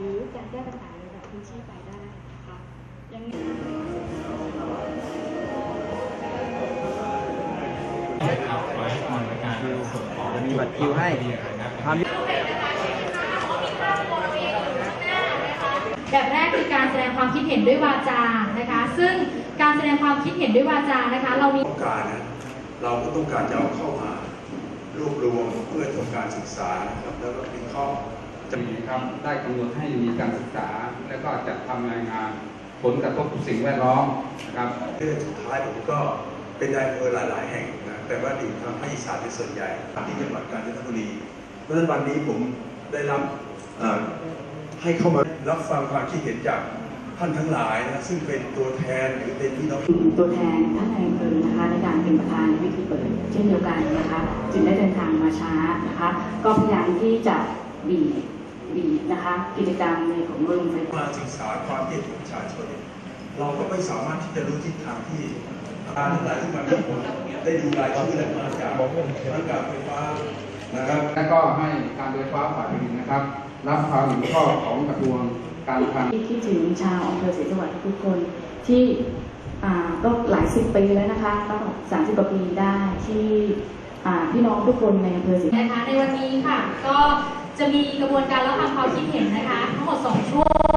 รือการแก้ปัญหาในระดับพื้นที่ไปได้ค่ะยังจะมีบัตรคิวให้ทำแบบแรกคือการแสดงความคิดเห็นด้วยวาจานะคะ ซึ่งการแสดงความคิดเห็นด้วยวาจานะคะเรามีต้องการนะเราก็ต้องการจะเอาเข้ามารวบรวมเพื่อทำการศึกษานะครับแล้วก็วิเคราะห์จะมีครับได้กำหนดให้มีการศึกษาและก็จัดทำรายงานผลกระทบสิ่งแวดล้อมนะครับเรื่องสุดท้ายผมก็เป็นนายอำเภอหลายๆแห่งนะแต่ว่าอยู่ทางภาคอีสานเป็นส่วนใหญ่ที่จังหวัดกาญจนบุรีเพราะฉะนั้นวันนี้ผมได้รับให้เข้ามารับฟังความคิดเห็นจากท่านทั้งหลายนะซึ่งเป็นตัวแทนหรือเป็นพี่น้องตัวแทนท่านนายอำเภอนะคะในการเป็นประธานในพิธีเปิดเช่นเดียวกันนะคะจึงได้เดินทางมาช้านะคะก็พยายามที่จะบีบนะคะกิจกรรมในของโรงไฟฟ้าศึกษาความคิดเห็นของประชาชนเราก็ไม่สามารถที่จะรู้ทิศทางที่การทั้งหลายที่มาที่ผมได้ดูรายชื่อและมาจากการไฟฟ้านะครับและก็ให้การไฟฟ้าฝ่ายผลิตนะครับรับความเห็นชอบของกระทรวงการคลังคิดถึงชาวอำเภอศรีสวัสดิ์ทุกคนที่ก็หลาย10 ปีแล้วนะคะก็30 กว่าปีได้ที่พี่น้องทุกคนในอำเภอศรีนะคะในวันนี้ค่ะก็จะมีกระบวนการรับฟังความคิดเห็นนะคะทั้งหมด2 ช่วง